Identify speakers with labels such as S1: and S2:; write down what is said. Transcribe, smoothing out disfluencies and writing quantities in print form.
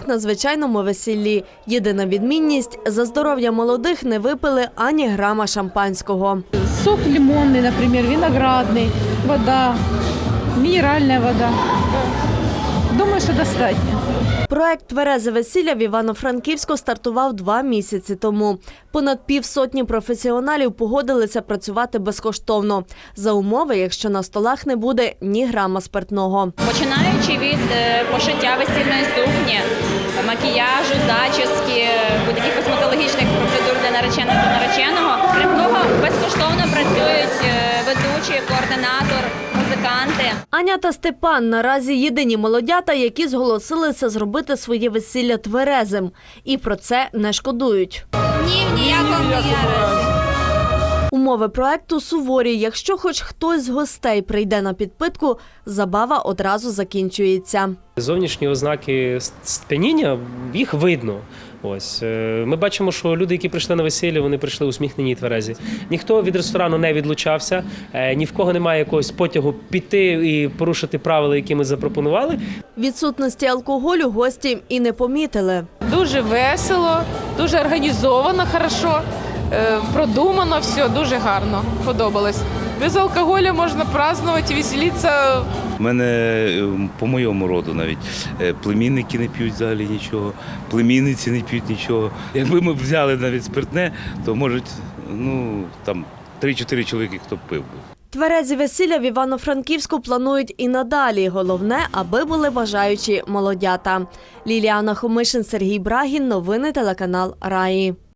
S1: як на звичайному весіллі. Єдина відмінність – за здоров'я молодих не випили ані грама шампанського.
S2: Сок лимонный, например, виноградный, вода, минеральная вода. Думаю, что достатньо.
S1: Проект «Тверезе весілля» в Івано-Франківську стартував 2 місяці тому. Понад півсотні професіоналів погодилися працювати безкоштовно. За умови, якщо на столах не буде ні грама спиртного.
S3: Починаючи від пошиття весільної сукні, макіяжу, зачіски, будь-яких косметологічних процедур для нареченого та нареченого. Крім того, безкоштовно працюють ведучі, координатор, музиканти.
S1: Аня та Степан наразі єдині молодята, які зголосилися зробити своє весілля тверезим. І про це не шкодують.
S3: Ні, в ніякому разі.
S1: Умови проекту суворі. Якщо хоч хтось з гостей прийде на підпитку, забава одразу закінчується.
S4: Зовнішні ознаки сп'яніння, їх видно. Ось ми бачимо, що люди, які прийшли на весілля, вони прийшли усміхнені і тверезі. Ніхто від ресторану не відлучався, ні в кого немає якогось потягу піти і порушити правила, які ми запропонували.
S1: Відсутності алкоголю гості і не помітили.
S2: Дуже весело, дуже організовано, хорошо, продумано все, дуже гарно, подобалось. Без алкоголя можна празднувати, веселитися.
S5: У мене по моєму роду навіть племінники не п'ють взагалі нічого, племінниці не п'ють нічого. Якби ми взяли навіть спиртне, то, може, там 3-4 чоловіки, хто б пив би.
S1: Тверезі весілля в Івано-Франківську планують і надалі. Головне, аби були бажаючі молодята. Ліліана Хомишин, Сергій Брагін. Новини телеканал Раї.